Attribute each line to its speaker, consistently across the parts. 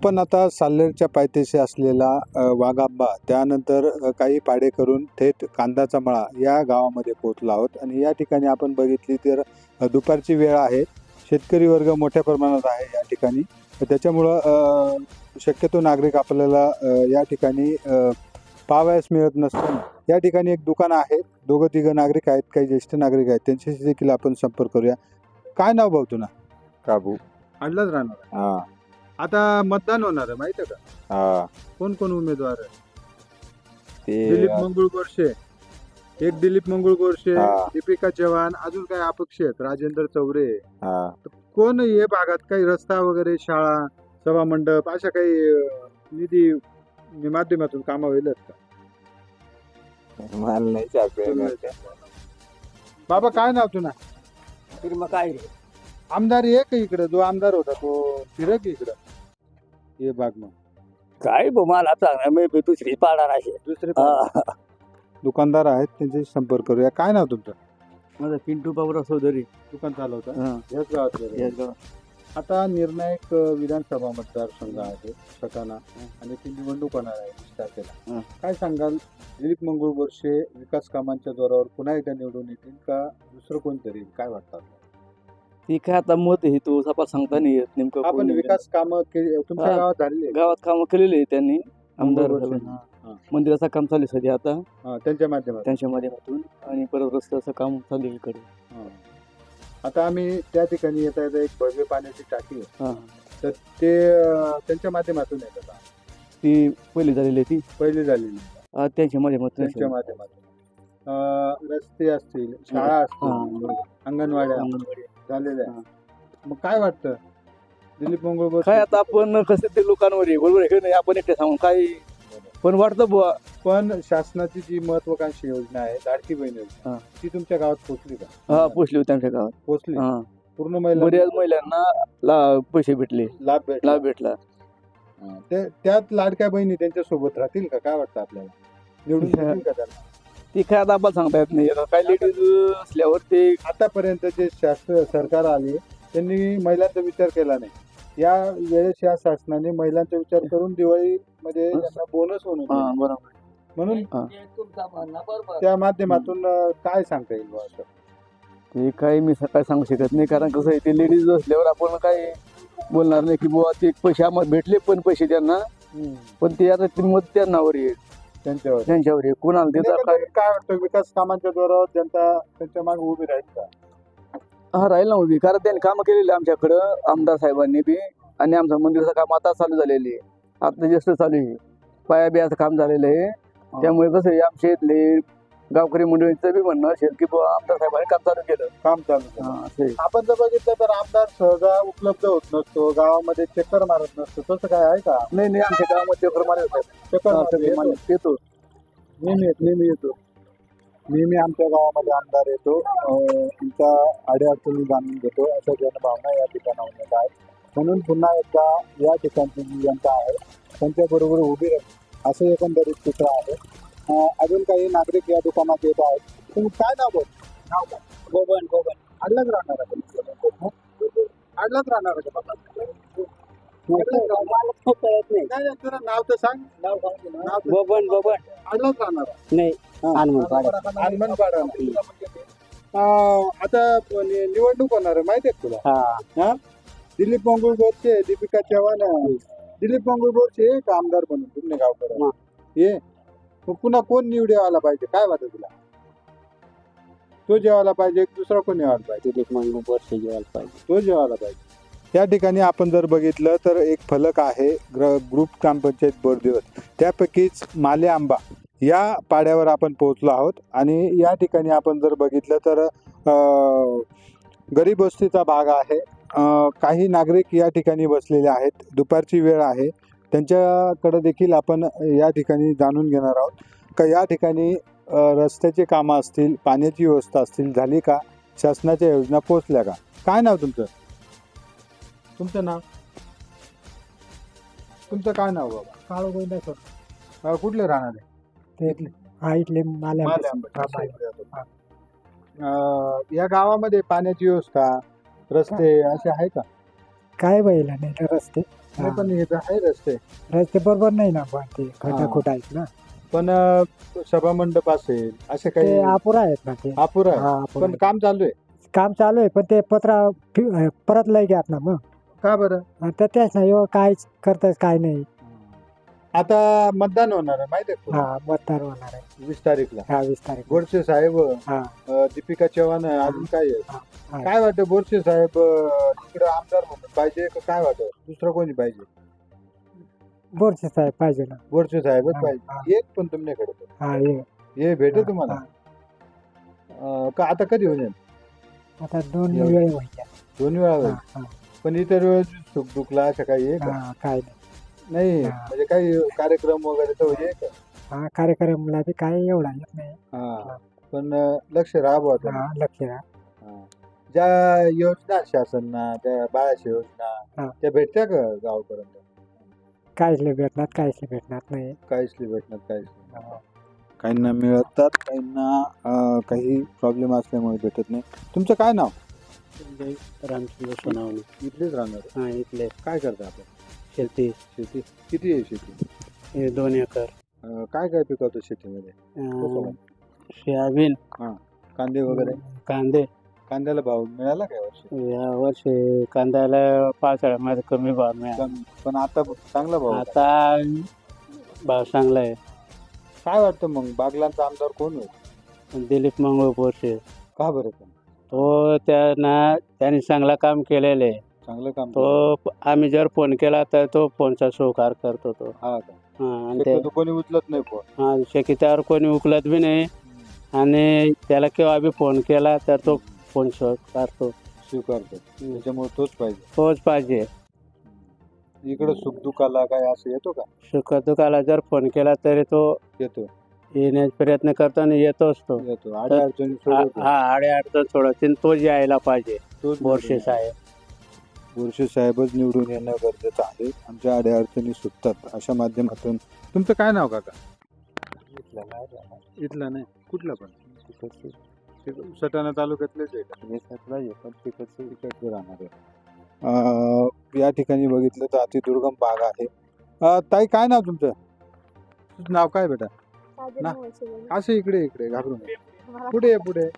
Speaker 1: आपण आता साल्हेरच्या पायथ्याशी असलेला वाघांबा त्यानंतर काही पाडे करून थेट कांदाचा मळा या गावामध्ये पोहोचलो आहोत आणि या ठिकाणी आपण बघितली तर दुपारची वेळ आहे. शेतकरी वर्ग मोठ्या प्रमाणात आहे या ठिकाणी. त्याच्यामुळं शक्यतो नागरिक आपल्याला या ठिकाणी पाहावयास मिळत नसताना या ठिकाणी एक दुकान आहे. दोघं तिघं नागरिक आहेत, काही ज्येष्ठ नागरिक आहेत, त्यांच्याशी देखील आपण संपर्क करूया. काय नाव भाऊ तुला?
Speaker 2: काबू.
Speaker 1: अडलाच राहणार.
Speaker 2: हा
Speaker 1: आता मतदान होणार आहे माहिती आहे का?
Speaker 2: हा
Speaker 1: कोण कोण उमेदवार आहे?
Speaker 2: ते
Speaker 1: दिलीप मंगळ गोरशे, एक दिलीप मंगळ गोरशे,
Speaker 2: हा.
Speaker 1: दीपिका चव्हाण, अजून काही अपक्ष आहेत, राजेंद्र चौरे.
Speaker 2: हा
Speaker 1: कोण हे भागात काही रस्ता वगैरे, शाळा, सभा मंडप अशा काही निधी माध्यमातून कामं होईल का?
Speaker 2: मला नाही चालत.
Speaker 1: बाबा काय नाव तुला?
Speaker 3: मग काय
Speaker 1: आमदार आहे का इकडं? जो आमदार होता तो फिरक इकडं हे भाग. मग
Speaker 3: काय मला सांगणार मी दुसरी पाडणार आहे.
Speaker 1: दुसरे दुकानदार आहेत, त्यांच्याशी संपर्क करूया. काय नाव तुमचं?
Speaker 3: माझा पिंटू बाबूराव चौधरी.
Speaker 1: दुकान चालवता याच गावातलं? आता निर्णायक विधानसभा मतदारसंघ आहे सटाणा आणि ती निवडणूक होणार आहे 20 तारखेला. काय सांगाल? दिलीप मंगळ गोरशे विकास कामांच्या जोरावर पुन्हा एकदा निवडून येतील का दुसरं कोणतरी? काय वाटतं?
Speaker 3: ती काय आता मत हे तो सपा सांगता नाही येत नेमकं.
Speaker 1: आपण विकास कामं तुमच्या गावात झालेली
Speaker 3: गावात कामं केलेली आहे त्यांनी. आमदार
Speaker 1: गोरशे.
Speaker 3: मंदिराचं काम चालू आहे सध्या आता
Speaker 1: त्यांच्या माध्यमातून.
Speaker 3: त्यांच्या माध्यमातून आणि परत रस्त्याचं काम चालू आहे इकडे.
Speaker 1: आता आम्ही त्या ठिकाणी येता येता एक भव्य पाण्याची टाकी आहे,
Speaker 3: हा
Speaker 1: तर ते त्यांच्या माध्यमातून येतात.
Speaker 3: ती पहिली झालेली आहे. ती
Speaker 1: पहिली झालेली
Speaker 3: त्यांच्या माध्यमातून.
Speaker 1: त्यांच्या माध्यमातून रस्ते असतील, शाळा असतील, अंगणवाड्या झालेल्या. मग काय वाटतं दिलीप मंगळ गोरशे?
Speaker 3: काय आता आपण कसं ते लोकांवर आहे, बरोबर आहे की नाही? आपण एकटे सांगून काय पण वाटतं बुवा.
Speaker 1: पण शासनाची जी महत्वाकांक्षी योजना आहे लाडकी बहीण योजना, ती तुमच्या गावात पोहोचली का?
Speaker 3: हा पोचली होती आमच्या गावात.
Speaker 1: पोहोचली. पूर्ण
Speaker 3: बऱ्याच महिलांना पैसे भेटले,
Speaker 1: लाभ
Speaker 3: भेटला.
Speaker 1: त्यात लाडक्या बहिणी त्यांच्या सोबत राहतील का? काय वाटतं आपल्याला? निवडून येतील का त्यांना?
Speaker 3: ती काय आता आपण सांगता येत नाही. काय लेडीज असल्यावर ते
Speaker 1: आतापर्यंत जे सरकार आले त्यांनी महिलांचा विचार केला नाही. या वेळेस या शासनाने महिलांचा विचार करून दिवाळीमध्ये त्यांना बोनस
Speaker 3: बरोबर
Speaker 1: म्हणून त्या माध्यमातून काय सांगता येईल बुवा असं?
Speaker 3: ते काही मी काय सांगू शकत नाही, कारण कसं आहे ते लेडीज असल्यावर आपण काय बोलणार नाही की बुवा ते पैसे आम्हाला भेटले पण पैसे त्यांना, पण ते आता ती मत त्यांनावर येईल, त्यांच्यावर आहे. कोणाला त्याचा
Speaker 1: काय वाटतं विकास कामांच्या जोरावर जनता त्यांच्या मागे उभी राहील का?
Speaker 3: हा राहील ना उभी, कारण त्यांनी कामं केलेली आमच्याकडं आमदार साहेबांनी बी. आणि आमचं मंदिराचं काम आता चालू झालेलं आहे, आता जास्त चालू आहे. पाया बियाचं काम झालेलं आहे. त्यामुळे कसं आहे आमच्या इथले गावकरी मंडळींचं बी म्हणणं असेल की बुवा आमदार साहेबांनी काम चालू केलं.
Speaker 1: आपण जर बघितलं तर आमदार सहजा उपलब्ध होत नसतो, गावामध्ये चक्कर मारत नसतो, तसं काय आहे का?
Speaker 3: नाही आमच्या गावामध्ये चक्कर मारत येतो.
Speaker 1: नेहमी येतो. नेहमी आमच्या गावामध्ये आमदार येतो, तुमच्या अडीअडचणी जाणून घेतो, अशा जनभावना या ठिकाणावर येत आहेत. म्हणून पुन्हा एकदा या ठिकाणची जी जनता आहे त्यांच्याबरोबर उभी राहील असं एकंदरीत चित्र आहे. अजून काही नागरिक या दुकानात येत आहेत. तुम्ही काय नाव बोल? नाव काय? गोबन. अडलाच राहणार आहे. अडलाच राहणार आहे बाबा. नाही तुला नाव तर सांग. नाव
Speaker 3: गोबन
Speaker 1: अडलाच राहणार आहे.
Speaker 3: नाही
Speaker 1: हनुमानपाडा. आता निवडणूक होणार आहे माहिती आहे तुला? दिलीप मंगळ गोरशे, दीपिका चव्हाण. दिलीप मंगळ गोरशे एक आमदार म्हणून तुम्ही गावकर ये. पुन्हा कोण निवडून आला पाहिजे? काय वाटतं तुला? तो जेवायला पाहिजे, दुसरा कोण जेवायला पाहिजे?
Speaker 3: दिलीप मंगळ गोरशे जेवायला पाहिजे.
Speaker 1: तो जेवायला पाहिजे. त्या ठिकाणी आपण जर बघितलं तर एक फलक आहे ग्रुप ग्रामपंचायत बोरदिवस, त्यापैकीच माले आंबा या पाड्यावर आपण पोहोचलो आहोत. आणि या ठिकाणी आपण जर बघितलं तर गरीब वस्तीचा भाग आहे. काही नागरिक या ठिकाणी बसलेले आहेत. दुपारची वेळ आहे, त्यांच्याकडे देखील आपण या ठिकाणी जाणून घेणार आहोत का या ठिकाणी रस्त्याची कामं असतील, पाण्याची व्यवस्था असतील झाली का, शासनाच्या योजना पोहोचल्या का? काय नाव तुमचं? तुमचं नाव? तुमचं काय नाव बाबा?
Speaker 4: काळू गोविंदा सर.
Speaker 1: कुठले राहणार आहे?
Speaker 4: ते इथले
Speaker 1: या गावामध्ये पाण्याची व्यवस्था, रस्ते असे आहे का?
Speaker 4: काय बैला नाही रस्ते.
Speaker 1: नाही पण हे तर आहे रस्ते
Speaker 4: रस्ते बरोबर नाही ना पण ते
Speaker 1: हा.
Speaker 4: खटाखोट आहेत ना
Speaker 1: पण सभा मंडप असेल असे
Speaker 4: ते
Speaker 1: काही
Speaker 4: अपुरा आहेत ना ते
Speaker 1: अपुरा आहे
Speaker 4: हा, अपुरा
Speaker 1: पण
Speaker 4: आहे.
Speaker 1: काम चालू आहे
Speaker 4: काम चालू आहे पण ते परत लय घ्यात ना मग
Speaker 1: का बरं
Speaker 4: तर तेच नाही हो, काहीच करताय काय नाही
Speaker 1: आता मतदान होणार आहे माहिती आहे
Speaker 4: हा मतदार होणार आहे
Speaker 1: 20 तारीखला
Speaker 4: 20 तारीख
Speaker 1: बोरसे साहेब
Speaker 4: हा
Speaker 1: दीपिका चव्हाण आहे, अजून काय आहे
Speaker 4: हा.
Speaker 1: काय वाटतं बोरसे साहेब इकडे आमदार म्हणून पाहिजे का काय वाटतं दुसरं कोणी पाहिजे
Speaker 4: बोरचे साहेब पाहिजे ना
Speaker 1: बोरसे साहेबच
Speaker 4: हा,
Speaker 1: पाहिजे एक पण तुमच्याकडे तर.
Speaker 4: हा ये
Speaker 1: हे भेटेल
Speaker 4: हा,
Speaker 1: तुम्हाला
Speaker 4: हा.
Speaker 1: का आता कधी होईल
Speaker 4: आता 2
Speaker 1: एवढं.
Speaker 4: वेळ व्हायच्या
Speaker 1: 2 वेळा होईल
Speaker 4: हा, हा,
Speaker 1: पण इतर वेळेस सुख दुखला असं काही आहे का
Speaker 4: हा, काय नाही
Speaker 1: नाही
Speaker 4: हा.
Speaker 1: म्हणजे काही कार्यक्रम वगैरे तर होईल का
Speaker 4: हा कार्यक्रमला बी काय एवढा येत नाही
Speaker 1: हा पण लक्ष राहावं
Speaker 4: हा, लक्ष द्या.
Speaker 1: ज्या योजना शासनना त्या बाळाच्या योजना
Speaker 4: हा.
Speaker 1: त्या भेटत्या का गावापर्यंत
Speaker 4: काहीच नाही भेटणार काहीच नाही भेटणार नाही
Speaker 1: काहीच नाही भेटणार काहीच नाही काहींना मिळतात काहींना काही प्रॉब्लेम असल्यामुळे भेटत नाही तुमचं काय नाव
Speaker 3: रामचंद्र सोनावणे
Speaker 1: इथलेच राहणार आहे.
Speaker 3: हा इथले
Speaker 1: काय करता आपण
Speaker 3: शेती
Speaker 1: शेती किती आहे शेती
Speaker 3: 2 एकर
Speaker 1: काय काय पिकवतो शेतीमध्ये कसं?
Speaker 3: सोयाबीन
Speaker 1: कांदे वगैरे
Speaker 3: कांदे
Speaker 1: कांद्याला भाव मिळाला काय वर्षी
Speaker 3: या वर्षी कांद्याला पावसाळ्यामध्ये कमी भाव मिळाला
Speaker 1: कमी. पण आता चांगला भाव आहे.
Speaker 3: आता भाव चांगला आहे
Speaker 1: काय वाटतं मग बागलांचा आमदार कोण होईल
Speaker 3: दिलीप मंगळ बोरसे
Speaker 1: का बरं पण
Speaker 3: तो त्यांनी चांगला काम केलेलं आहे
Speaker 1: चांगलं काम
Speaker 3: तो आम्ही जर फोन केला तर तो फोनचा स्वीकार करतो तो
Speaker 1: हा का
Speaker 3: हा, आणि ते
Speaker 1: शक्यतो कोणी उचलत नाही फोन
Speaker 3: हा शक्यतावर कोणी उकलत बी नाही आणि त्याला केव्हा बी फोन केला तर तो फोन स्वीकारतो
Speaker 1: स्वीकारतो त्याच्यामुळे तोच पाहिजे
Speaker 3: तोच पाहिजे
Speaker 1: इकडे सुखदुखाला काय असं येतो का
Speaker 3: सुखदुखाला जर फोन केला तरी तो
Speaker 1: येतो
Speaker 3: येण्याचा प्रयत्न करतो आणि येतोच तो
Speaker 1: येतो आड्या अडचणी सोडवतो.
Speaker 3: हा अडचण सोडवतील तोच यायला पाहिजे
Speaker 1: तोच
Speaker 3: बोरसे
Speaker 1: निवडून
Speaker 3: साहेब
Speaker 1: बोरसे साहेबच निवडून येणं गरजेचं आहे आमच्या आड्या अडचणी सुटतात अशा माध्यमातून तुमचं काय नाव काका इथला नाही कुठला पण सटाणा तालुक्यातलेच आहे का तिकडचं राहणार आहे या ठिकाणी बघितलं तर अतिदुर्गम भाग आहे ताई काय नाव तुमचं नाव काय बेटा ना असं इकडे इकडे घाबरून पुढे ये, पुढे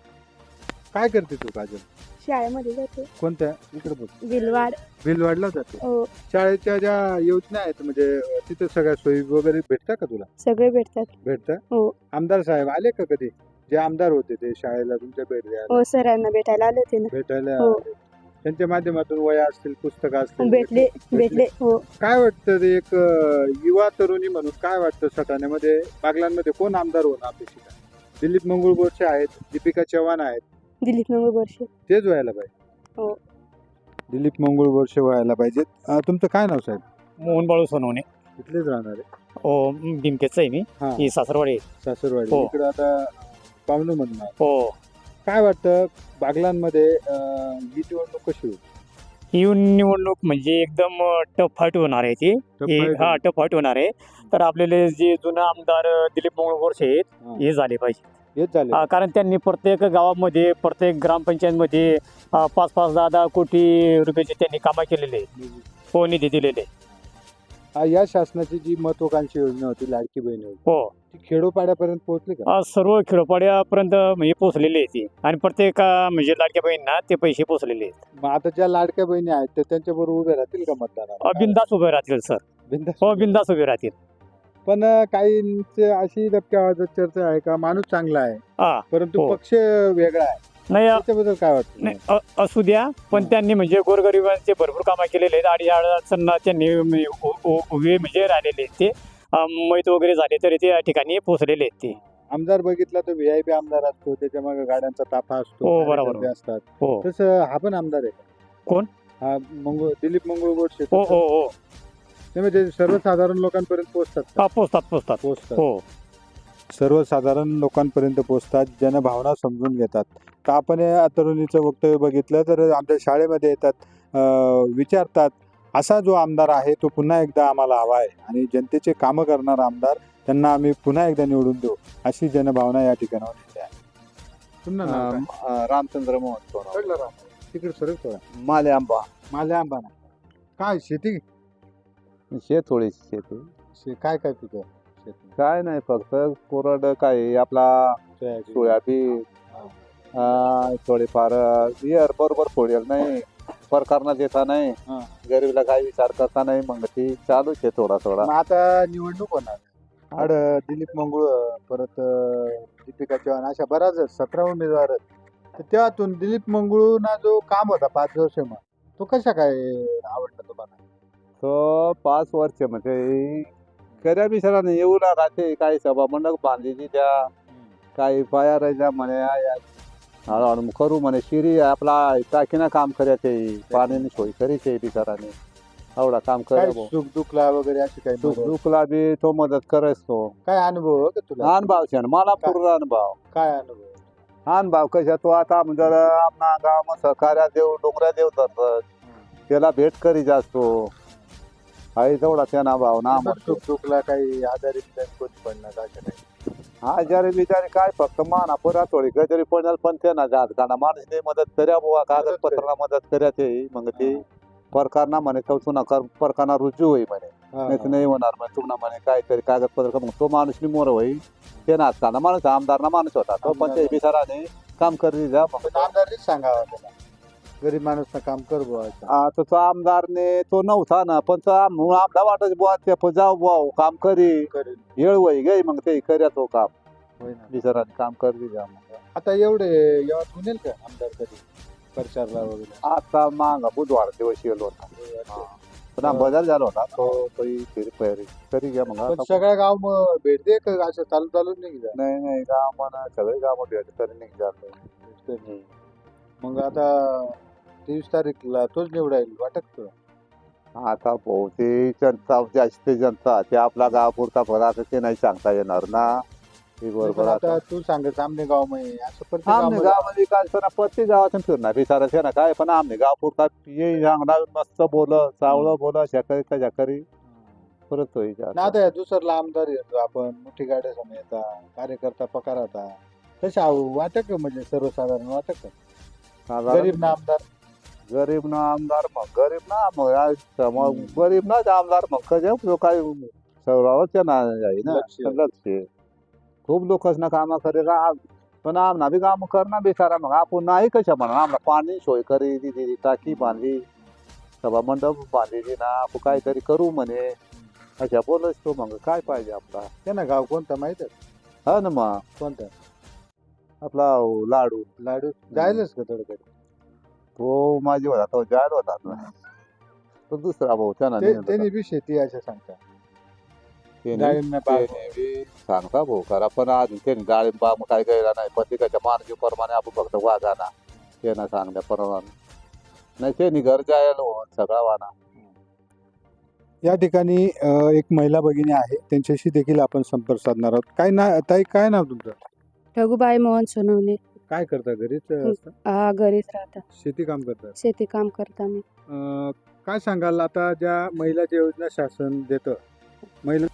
Speaker 1: काय करते तू काजल
Speaker 5: शाळेमध्ये जाते
Speaker 1: कोणत्या इकडे बघ
Speaker 5: बिलवाड
Speaker 1: भिलवाडला जाते
Speaker 5: हो
Speaker 1: शाळेच्या ज्या योजना आहेत म्हणजे तिथे सगळ्या सोयी वगैरे भेटतात का तुला
Speaker 5: सगळे भेटतात
Speaker 1: भेटतात
Speaker 5: हो
Speaker 1: आमदार साहेब आले का कधी जे आमदार होते ते शाळेला तुमच्या भेट द्यायला
Speaker 5: हो सरांना भेटायला आले होते ना
Speaker 1: भेटायला
Speaker 5: हो.
Speaker 1: आले. त्यांच्या माध्यमातून वया असतील पुस्तकं असतील
Speaker 5: भेटले हो
Speaker 1: काय वाटतं ते एक युवा तरुणी म्हणून काय वाटतं सटाण्यामध्ये बागलांमध्ये कोण आमदार होणं अपेक्षित आहे दिलीप मंगळ बोरसे आहेत दीपिका चव्हाण आहेत
Speaker 5: दिलीप मंगळ बोरसे
Speaker 1: तेच व्हायला पाहिजे
Speaker 5: हो.
Speaker 1: दिलीप मंगळ बोरसे व्हायला पाहिजेत तुमचं काय नाव साहेब
Speaker 6: मोहन बाळू सोनवणे
Speaker 1: इथलेच राहणार आहे
Speaker 6: हो डिमकेच आहे मी
Speaker 1: हा
Speaker 6: ही सासरवाडी
Speaker 1: सासरवाडी
Speaker 6: हो.
Speaker 1: इकडे आता पाहुणे म्हणणार
Speaker 6: हो
Speaker 1: काय वाटतं बागलांमध्ये ही निवडणूक कशी होईल
Speaker 6: ही निवडणूक म्हणजे एकदम टफ फाईट होणार आहे ती हा टफ फाईट होणार आहे तर आपल्याला जे जुनं आमदार दिलीप मंगळ बोरसे आहेत हे झाले पाहिजे
Speaker 1: हेच झाले
Speaker 6: कारण त्यांनी प्रत्येक गावामध्ये प्रत्येक ग्रामपंचायतमध्ये 5-10 कोटी रुपयाचे त्यांनी कामं केलेले आहे. हो निधी दिलेले आहे.
Speaker 1: या शासनाची जी महत्वाकांक्षी योजना होती लाडकी बहीण योजना
Speaker 6: हो
Speaker 1: ती खेडोपाड्यापर्यंत पोहोचली का
Speaker 6: सर्व खेडोपाड्यापर्यंत म्हणजे पोहोचलेले आहे ती आणि प्रत्येक म्हणजे लाडक्या बहिणींना ते पैसे पोहोचलेले आहेत
Speaker 1: मग आता ज्या लाडक्या बहिणी आहेत ते त्यांच्याबरोबर उभे राहतील का मतदानाला
Speaker 6: बिंदास उभे राहतील सर
Speaker 1: बिनधास्त.
Speaker 6: हो बिंदास उभे राहतील
Speaker 1: पण काहींचे अशी दबक्या आवाजात चर्चा आहे का माणूस चांगला आहे
Speaker 6: हा
Speaker 1: परंतु
Speaker 6: हो.
Speaker 1: पक्ष वेगळा आहे
Speaker 6: नाही
Speaker 1: त्याच्याबद्दल काय वाटतं
Speaker 6: नाही असू द्या पण त्यांनी म्हणजे गोरगरिबांचे भरपूर कामं केलेले आहेत आणि अडचणींना त्यांनी उभे म्हणजे राहिलेले आहेत ते मैत वगैरे झाले तरी ते या ठिकाणी पोहोचलेले आहेत ते
Speaker 1: आमदार बघितला तर व्हीआयपी आमदार असतो त्याच्या मागे गाड्यांचा ताफा असतो
Speaker 6: हो, बरोबर.
Speaker 1: कार्यकर्ते असतात
Speaker 6: हो
Speaker 1: तसं हा पण आमदार आहे का?
Speaker 6: कोण?
Speaker 1: हा दिलीप मंगळ बोरसे
Speaker 6: हो हो हो
Speaker 1: ते म्हणजे सर्वसाधारण लोकांपर्यंत पोहोचतात का?
Speaker 6: हा, पोचतात
Speaker 1: पोहोचतात
Speaker 6: हो
Speaker 1: सर्वसाधारण लोकांपर्यंत पोहोचतात जनभावना समजून घेतात तर आपण या तरुणीचं वक्तव्य बघितलं तर आमच्या शाळेमध्ये येतात विचारतात असा जो आमदार आहे तो पुन्हा एकदा आम्हाला हवा आहे आणि जनतेचे कामं करणारा आमदार त्यांना आम्ही पुन्हा एकदा निवडून देऊ अशी जनभावना या ठिकाणावर येते आहे
Speaker 2: रामचंद्र मोहन सोनवणे
Speaker 1: तिकडे सरळ थोडा
Speaker 2: माले आंबा
Speaker 1: माझ्या आंबाना काय शेती
Speaker 2: थोडीशी शेती.
Speaker 1: काय काय पिकं शेती?
Speaker 2: काय नाही फक्त कोरड काय आपला सोयाबीन थोडेफार बरोबर फोडेल नाही प्रकारना देता नाही
Speaker 1: हा.
Speaker 2: गरीबला काय विचार करता नाही मग ती चालूच आहे थोडा थोडा.
Speaker 1: मग आता निवडणूक होणार आड दिलीप मंगळ परत दीपिका चव्हाण अशा बऱ्याच 17 उमेदवार आहेत. तर त्यातून दिलीप मंगळूना जो काम होता 5 वर्ष मग तो कशा काय आवडला तुम्हाला?
Speaker 2: तो 5 वर्ष म्हणजे खऱ्या बिचाराने येऊ लागा ते काही सभा मंडप बांधलेली त्या काही पाया राहायच्या म्हणे हळूहळू करू म्हणे शिरी आपला टाकीना काम करायचे पाण्याने सोय करायचे बिचाराने एवढा काम
Speaker 1: काय
Speaker 2: करे
Speaker 1: सुख दुखला वगैरे अशी काही मदत?
Speaker 2: दुखला बी तो मदत करायच तो.
Speaker 1: काय अनुभव हो का तुला?
Speaker 2: अनुभव छान मला पूर्ण अनुभव
Speaker 1: काय अनुभव?
Speaker 2: अनुभव कशा तो आता जर आपला गाव सहकार्या देव डोंगऱ्या देव धरत त्याला भेट करी जास्तो आहे तेवढा त्यांना भाव ना
Speaker 1: सुख दुखला काही आजारी कोणी पडणार असं नाही?
Speaker 2: आजारी बिजारी काय फक्त माना पुरा थोडी गजरी पडणार पण त्यांना जात गाणं माणूस मदत कर्या बुवा कागदपत्राला मदत कर्या ते मग ते प्रकारना म्हणे तो चुना प्रकारना रुजू होई म्हणे नाही तर नाही होणार म्हणे तुम्हाला म्हणे काहीतरी कागदपत्र मग तो माणूस मोर होई ते नाचताना माणूस आमदारना माणूस होता तो पण ते बिचाराने काम करी जा मग
Speaker 1: पण आमदारनीच सांगावा त्याला गरीब माणूस काम कर बुवा असं.
Speaker 2: आता तो आमदारने तो नव्हता ना पण तो आमदा वाटत बुवा ते जाऊ बुवा काम करी
Speaker 1: करेल.
Speaker 2: येळ वय गे मग ते कर्या तो काम
Speaker 1: होय ना.
Speaker 2: बिचाराने काम करी जा मग
Speaker 1: आता एवढे यावात होईल का आमदार कधी प्रचारला वगैरे?
Speaker 2: आता मागा बुधवार दिवस येलो होता पुन्हा बदल झाला होता तो फेरी तरी घ्या मग
Speaker 1: पण सगळ्या गाव मग भेट दे का असं चालू चालून नाही का?
Speaker 2: नाही गाव म्हणा सगळे गाव भेट तरी नाही झालं.
Speaker 1: मग आता 23 तारीखला तोच निवडायला वाटत तुला?
Speaker 2: आता भाऊ ते जनता जास्त जनता ते आपला गाव पुरता भरा ते नाही सांगता येणार ना ते
Speaker 1: पण
Speaker 2: बरोबर.
Speaker 1: आता तू सांग सामने गाव मध्ये असं प्रत्येक
Speaker 2: आमने
Speaker 1: गावामध्ये-
Speaker 2: गावामध्ये काय पण प्रत्येक गावातून फिरणार विचारायचं ना काय पण आमने गाव पुरता ये सांगणार मस्त बोल चावलं बोल शाकरी त्या शाकरी परत होईल.
Speaker 1: ना आता या दुसरला आमदार येतो आपण मोठी गाड्या समोर येतात कार्यकर्ता पकार आता तशा वाटत का म्हणजे सर्वसाधारण वाटत का गरीब ना आमदार?
Speaker 2: गरीब ना आमदार मग गरीब ना मग गरीब ना आमदार मग कसे काय सर्वांच्या ना आहे ना
Speaker 1: लक्ष.
Speaker 2: लक्ष खूप लोकच ना कामं करेला पण आमना बी काम करणार बेसारा मग आपण नाही कशा म्हणा आम्हाला पाणी सोय करी दिली टाकी बांधली सभा मंडप बांधलेली ना आपण काहीतरी करू म्हणे अशा बोलच तो मग काय पाहिजे आपला
Speaker 1: त्यांना गाव कोणता माहित आहे?
Speaker 2: हा ना मग
Speaker 1: कोणता?
Speaker 2: आपला लाडू
Speaker 1: लाडू जायलाच का थोडं
Speaker 2: तो माझी होता तो जायला होता ना तो दुसरा भाऊ त्याला
Speaker 1: त्यांनी बी शेती असं सांगता डाळिंब बाग.
Speaker 2: सांगता भाऊ खरा पण अजून त्यांनी डाळिंब बाग काय गेला नाही प्रत्येकाच्या मार्गी प्रमाणे आपण फक्त वागाना त्यांना सांगल्या प्रमाणे नाही त्यांनी घर जायला सगळा वाना.
Speaker 1: या ठिकाणी एक महिला भगिनी आहे त्यांच्याशी देखील आपण संपर्क साधणार आहोत. काय ना ताई काय नाव तुमचं?
Speaker 5: रघुबाई मोहन सोनवणे.
Speaker 1: काय करता घरीच असता?
Speaker 5: हा घरीच राहता
Speaker 1: शेती काम करता?
Speaker 5: शेती काम करता मी.
Speaker 1: काय सांगाल आता ज्या महिलाच्या योजना शासन देतं महिला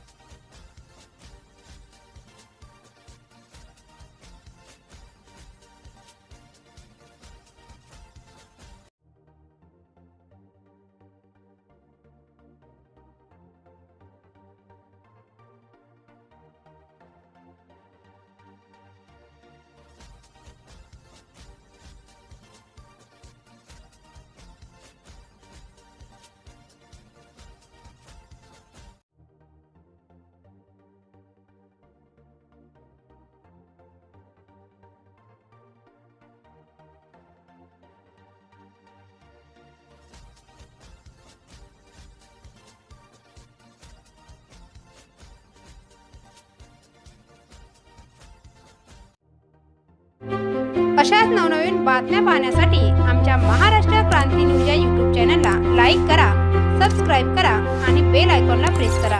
Speaker 7: अशाच नवनवीन बातम्या पाहण्यासाठी आमच्या महाराष्ट्र क्रांती न्यूज या यूट्यूब चॅनलला लाईक करा, सबस्क्राईब करा आणि बेल आयकॉनला प्रेस करा.